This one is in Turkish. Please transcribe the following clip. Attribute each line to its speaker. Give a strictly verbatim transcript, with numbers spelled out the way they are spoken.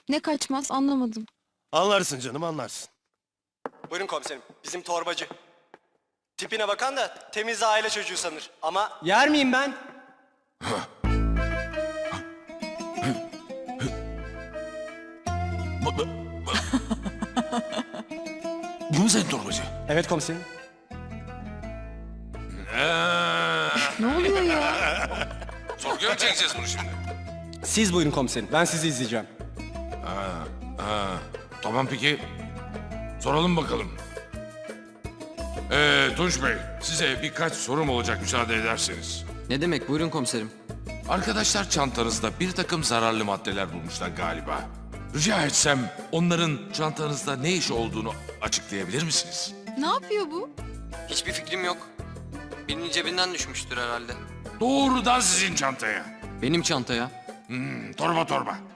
Speaker 1: Ne kaçmaz anlamadım.
Speaker 2: Anlarsın canım, anlarsın.
Speaker 3: Buyurun komiserim. Bizim torbacı. Tipine bakan da temiz aile çocuğu sanır. Ama yer miyim ben?
Speaker 4: Bu, bu, bu. Bu mu senin torbacı?
Speaker 3: Evet komiserim.
Speaker 4: Ee,
Speaker 1: Ne oluyor ya?
Speaker 4: sorguya mı çekeceğiz bunu şimdi?
Speaker 3: Siz buyurun komiserim. Ben sizi izleyeceğim.
Speaker 4: Ha, tamam peki. Soralım bakalım. Ee, Tunç Bey, size birkaç sorum olacak müsaade ederseniz.
Speaker 5: Ne demek? Buyurun komiserim.
Speaker 4: Arkadaşlar çantanızda bir takım zararlı maddeler bulmuşlar galiba. Rica etsem onların çantanızda ne iş olduğunu açıklayabilir misiniz?
Speaker 1: Ne yapıyor bu?
Speaker 5: Hiçbir fikrim yok. Birinin cebinden düşmüştür herhalde.
Speaker 4: Doğrudan sizin çantaya.
Speaker 5: Benim çantaya.
Speaker 4: Hmm, torba torba.